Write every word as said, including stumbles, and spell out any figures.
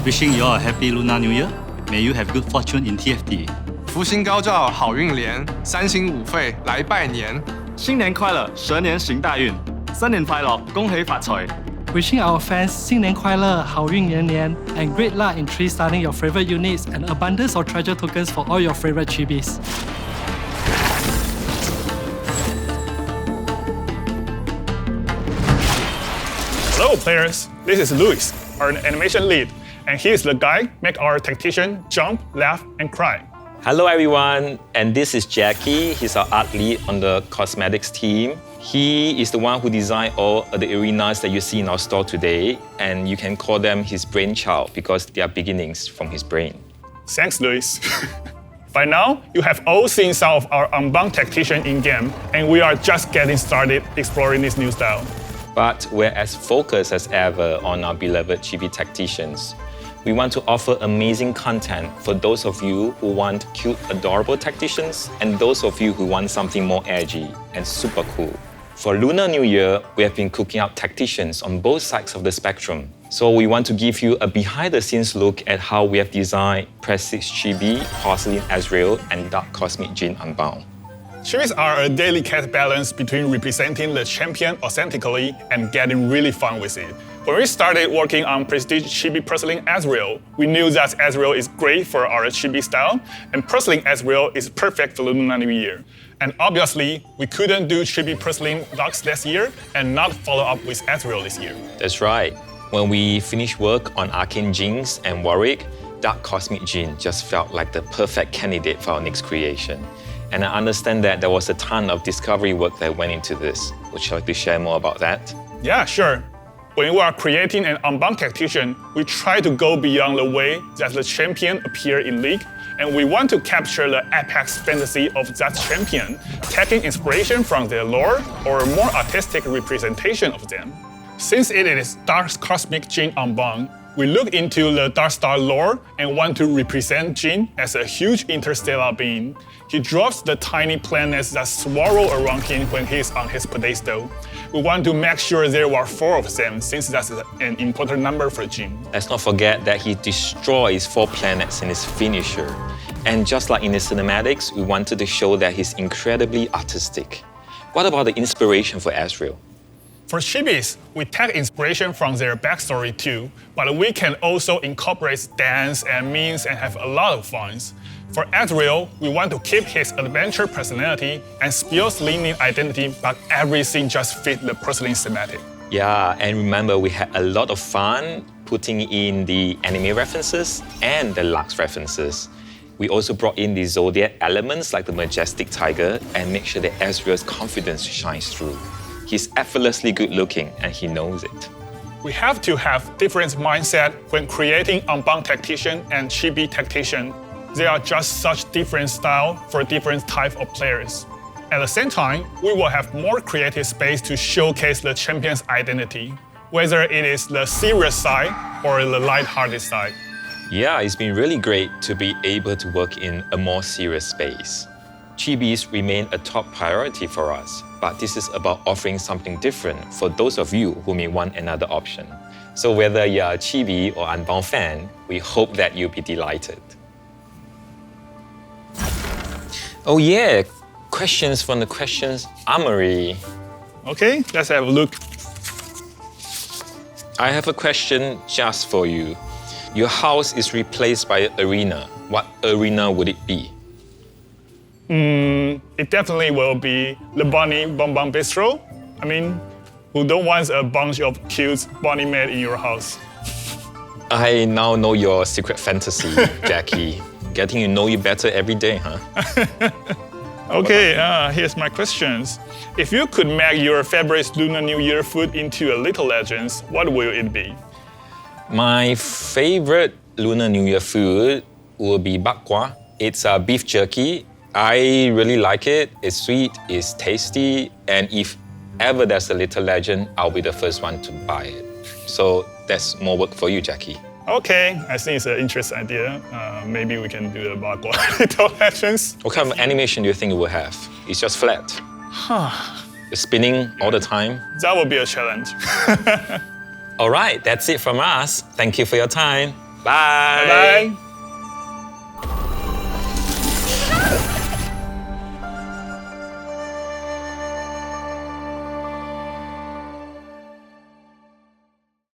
Wishing you all a happy Lunar New Year. May you have good fortune in T F T. 福星高照，好运连，三星五费来拜年。 新年快乐，蛇年行大运，新年快樂，恭喜發財。 Wishing our fans 新年快樂，好運連連 and great luck in three starting your favorite units and abundance of treasure tokens for all your favorite chibis. Hello players, this is Luis, our animation lead, and he is the guy make our tactician jump, laugh, and cry. Hello everyone, and this is Jackie. He's our art lead on the cosmetics team. He is the one who designed all of the arenas that you see in our store today, and you can call them his brainchild because they are beginnings from his brain. Thanks, Luis. By now, you have all seen some of our Unbound Tactician in-game, and we are just getting started exploring this new style. But we're as focused as ever on our beloved chibi tacticians. We want to offer amazing content for those of you who want cute, adorable tacticians and those of you who want something more edgy and super cool. For Lunar New Year, we have been cooking up tacticians on both sides of the spectrum. So we want to give you a behind-the-scenes look at how we have designed Prestige Chibi, Porcelain Ezreal, and Dark Cosmic Djinn Unbound. Chibis are a delicate balance between representing the champion authentically and getting really fun with it. When we started working on Prestige Chibi Porcelain Ezreal, we knew that Ezreal is great for our Chibi style, and Porcelain Ezreal is perfect for Lunar New Year. And obviously, we couldn't do Chibi Porcelain Lux last year and not follow up with Ezreal this year. That's right. When we finished work on Arcane Jinx and Warwick, Dark Cosmic Djinn just felt like the perfect candidate for our next creation. And I understand that there was a ton of discovery work that went into this. Would you like to share more about that? Yeah, sure. When we are creating an Unbound Tactician, we try to go beyond the way that the champion appears in League, and we want to capture the apex fantasy of that champion, taking inspiration from their lore or a more artistic representation of them. Since it is Dark Cosmic Djinn Unbound, we look into the Darkstar lore and want to represent Djinn as a huge interstellar being. He drops the tiny planets that swirl around him when he's on his pedestal. We want to make sure there are four of them, since that's an important number for Djinn. Let's not forget that he destroys four planets in his finisher. And just like in the cinematics, we wanted to show that he's incredibly artistic. What about the inspiration for Ezreal? For Chibis, we take inspiration from their backstory too, but we can also incorporate dance and memes and have a lot of fun. For Ezreal, we want to keep his adventure personality and Spear's leaning identity, but everything just fit the porcelain thematic. Yeah, and remember we had a lot of fun putting in the anime references and the Lux references. We also brought in the Zodiac elements like the majestic tiger and make sure that Ezreal's confidence shines through. He's effortlessly good looking and he knows it. We have to have different mindset when creating Unbound Tactician and Chibi Tactician. They are just such different style for different type of players. At the same time, we will have more creative space to showcase the champion's identity, whether it is the serious side or the light-hearted side. Yeah, it's been really great to be able to work in a more serious space. Chibis remain a top priority for us, but this is about offering something different for those of you who may want another option. So whether you're a Chibi or Unbound fan, we hope that you'll be delighted. Oh yeah, questions from the questions armory. Okay, let's have a look. I have a question just for you. Your house is replaced by an arena. What arena would it be? Mm, it definitely will be the Bunny Bon Bon Bistro. I mean, who don't want a bunch of cute bunny made in your house? I now know your secret fantasy, Jackie. Getting to know you better every day, huh? Okay, uh, here's my questions. If you could make your favorite Lunar New Year food into a little legend, what will it be? My favorite Lunar New Year food will be bak kwa. It's a beef jerky. I really like it. It's sweet, it's tasty, and if ever there's a little legend, I'll be the first one to buy it. So that's more work for you, Jackie. Okay, I think it's an interesting idea. Uh, maybe we can do the bak kwa little legends. What kind of animation do you think it will have? It's just flat. Huh. It's spinning all the time. That will be a challenge. All right, that's it from us. Thank you for your time. Bye. Bye bye.